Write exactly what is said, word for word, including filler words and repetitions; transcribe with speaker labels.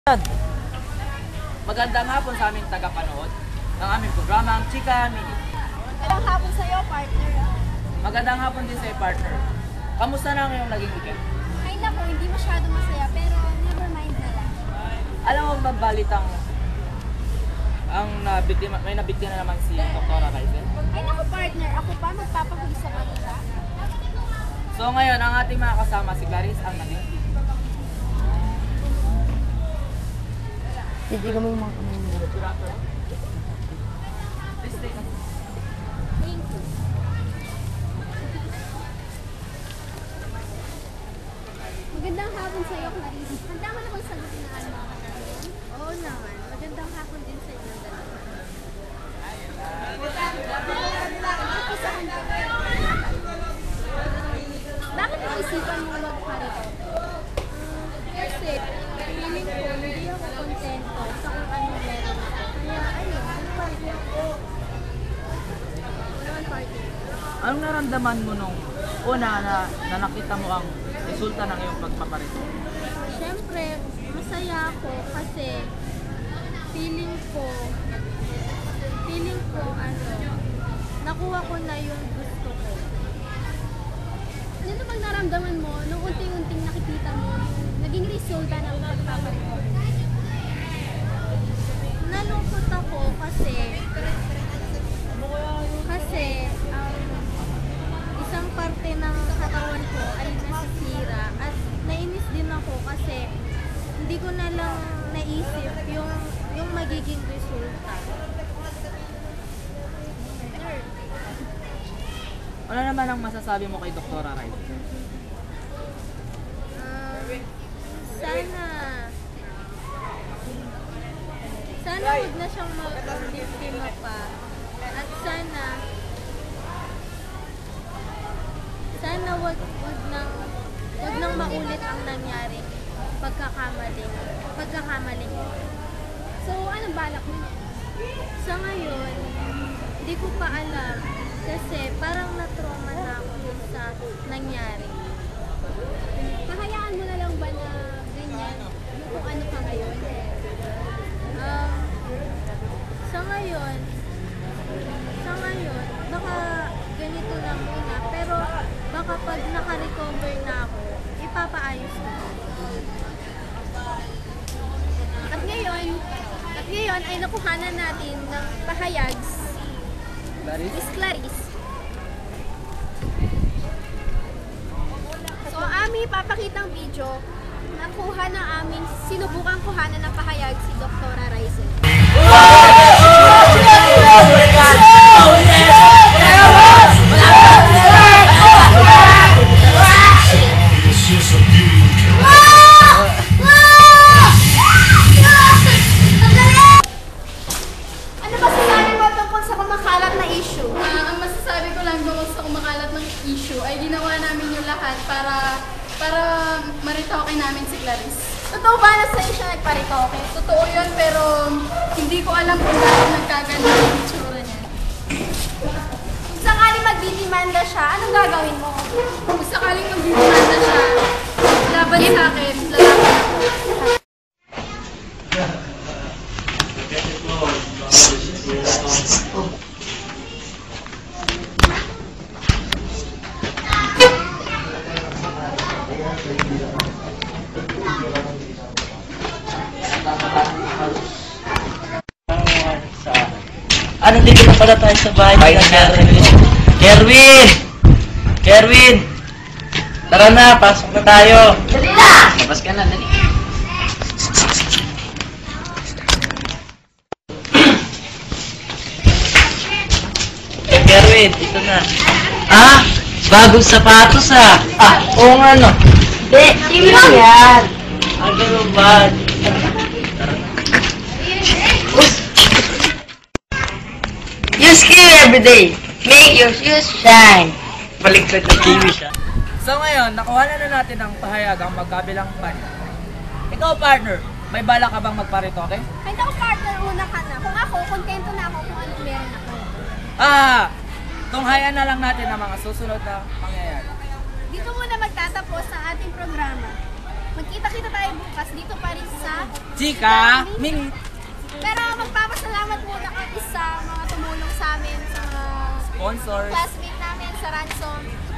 Speaker 1: Magandang hapon sa aming tagapanood ng aming programa, ang Chika Mini.
Speaker 2: Magandang hapon sa iyo, partner.
Speaker 1: Magandang hapon din sa iyo, partner. Kamusta na ang iyong naging weekend?
Speaker 2: Ay naku, hindi masyado masaya, pero never mind na lang.
Speaker 1: Alam mo ba balitang ang nabiktima, may nabiktima na naman si Doktora Raizel?
Speaker 2: Ay naku, partner, ako pa magpapahuli sa kanila.
Speaker 1: So ngayon, ang ating mga kasama si Clarice ang naging
Speaker 3: Hindi kami yung mga kamay mo.
Speaker 2: Thank you. Magandang hapon sa iyo, Clarice. Handa mo na bang sagutin na ano mga katanungan? Oo naman. Magandang hapon din sa inyo dalawa. Isa ka na. Bakit naisipan mo magparito? Kasi, feeling ko, hindi ako kontento sa kung ano meron ako. Kaya, ayun, nagparito ako. Wala ang party.
Speaker 1: Anong naramdaman mo nung una na, na nakita mo ang resulta ng iyong pagpaparito?
Speaker 2: Siyempre, masaya ako kasi feeling ko, feeling ko, ano, nakuha ko na yung gusto ko. Ano bang naramdaman mo nung unting-unting nakikita mo yung naging resulta ng pagpaparito? Nalungkot ako kasi kasi um, isang parte ng katawan ko ay nasisira at nainis din ako kasi hindi ko na lang naisip yung yung magiging resulta.
Speaker 1: Ano naman ang masasabi mo kay Doktora Raizel?
Speaker 2: Um, sana sana huwag na siyang mag-biktima pa at sana sana wag wag nang wag nang maulit ang nangyari pagkakamali pagkakamali so anong balak mo? Sa ngayon hindi ko pa alam kasi parang na-trauma na ako dun sa nangyari. Kahayaan mo na lang ba na ganyan yung kung ano ka ngayon? Um, sa ngayon, sa ngayon, baka ganito lang muna. Pero baka pag naka-recover na ako, ipapaayos ko. At ngayon, at ngayon ay nakuhanan natin ng pahayag
Speaker 1: Clarice?
Speaker 2: Miss Clarice. So, aming papakitang video, nakuha na aming sinubukang kuhanan ng pahayag si Doktora Raizel. Ano ba sasabi mo tungkol sa kumakalat na issue?
Speaker 4: Ah, ang masasabi ko lang doon sa kumakalat ng issue ay ginawa namin yung lahat para para maritoke namin si Clarice.
Speaker 2: Totoo ba na sa'yo siya nagparitoke?
Speaker 4: Totoo yun pero hindi ko alam kung bakit nagkaganda yung itsura niya.
Speaker 2: Kung sakaling magdidemanda siya, anong gagawin mo?
Speaker 4: Kung sakaling magbibiganda siya, laban sa akin, lalaban ako.
Speaker 3: Ano, dito na pala tayo sa bahay ni Kerwin. Kerwin! Kerwin! Tara na, pasok na tayo. Dali na! Labas ka na, dali. Eh, Kerwin, dito na. Ah! Bagong sapatos ah! Ah, oo nga no. Hindi, hindi lang yan. Ah, ganun ba? Use kiwi everyday. Make your shoes shine. Baliktad na kiwi siya.
Speaker 1: So ngayon, nakuha na na natin ang pahayag ang magkabilang partner. Ikaw partner, may bala ka bang magparitoke?
Speaker 2: Ay naku partner, una ka na. Kung ako, kontento na ako kung anong meron ako.
Speaker 1: Ah! Tunghayan na lang natin ang mga susunod na pangyayari.
Speaker 2: Dito muna magtatapos ang ating programa. Magkita-kita tayo bukas dito pa rin sa
Speaker 1: Chika, Ming.
Speaker 2: Pero magpapasalamat muna kami sa mga tumulong sa amin, sa mga
Speaker 1: Sponsors.
Speaker 2: classmate namin sa Ransom.